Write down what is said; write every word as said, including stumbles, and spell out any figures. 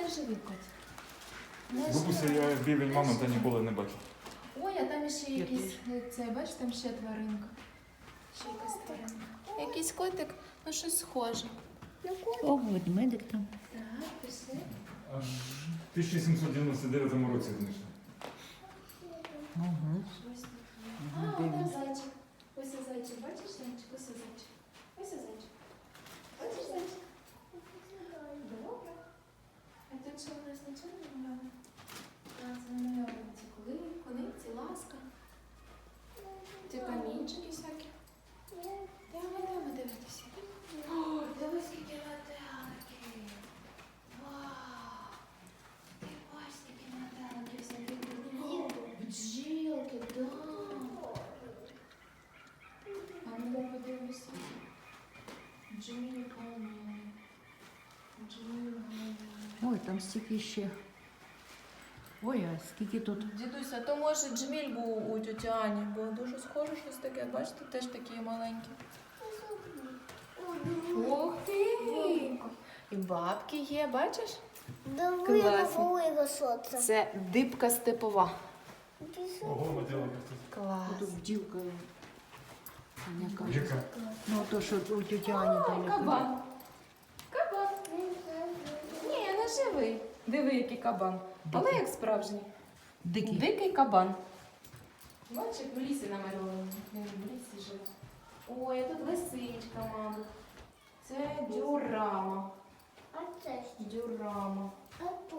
живий кот. Не Бабуся, живий. я бівень мами та ніколи не бачив. Ой, а там ще Я якийсь, це, бачиш, там ще тваринка. Ще якась тваринка. Якийсь котик, ну щось схоже. О, ведмедик там. Так, пішли. Аж в тисяча сімсот дев'яносто дев'ятому році знайшли. Угу. Щось таке. А, там зайчик. Ось ось зайчик, бачиш зайчик? Ось ось зайчик. Ось ось зайчик. Бачиш зайчик? Добре. А тут що у нас нічого не намальовано? А, це намальовано ці коли, кониці, ласка. Ці камінчики всякі. Давай, давай дивитися. О, дивись, скільки метеликів. Вау. Ти бачиш, скільки метеликів всяких. Бджілки, да. А ну дай подивимося. Бджілка, ні. Бджілка, ні. Ой, там стільки ще. Ой, а скільки тут. Дідуся, то може джміль був у тьоті Ані, бо дуже схоже щось таке. Бачите, теж такі маленькі. Ух ти! І бабки є, бачиш? Диви, Класно. виросло це. Це дибка степова. Ого, метелики тут. Клас. Тут бджілка. Яка? Яка? Ну, то, що у тіті Ані там. яка. Кабан. Кабан. Ні, не живий. Диви, який кабан. Але як справжній. Дикий. Дикий кабан. Бачиш, як в лісі намальований. Він в лісі живе. Ой, а тут лисичка, мабуть. Це дюрама. А це що? Дюрама. А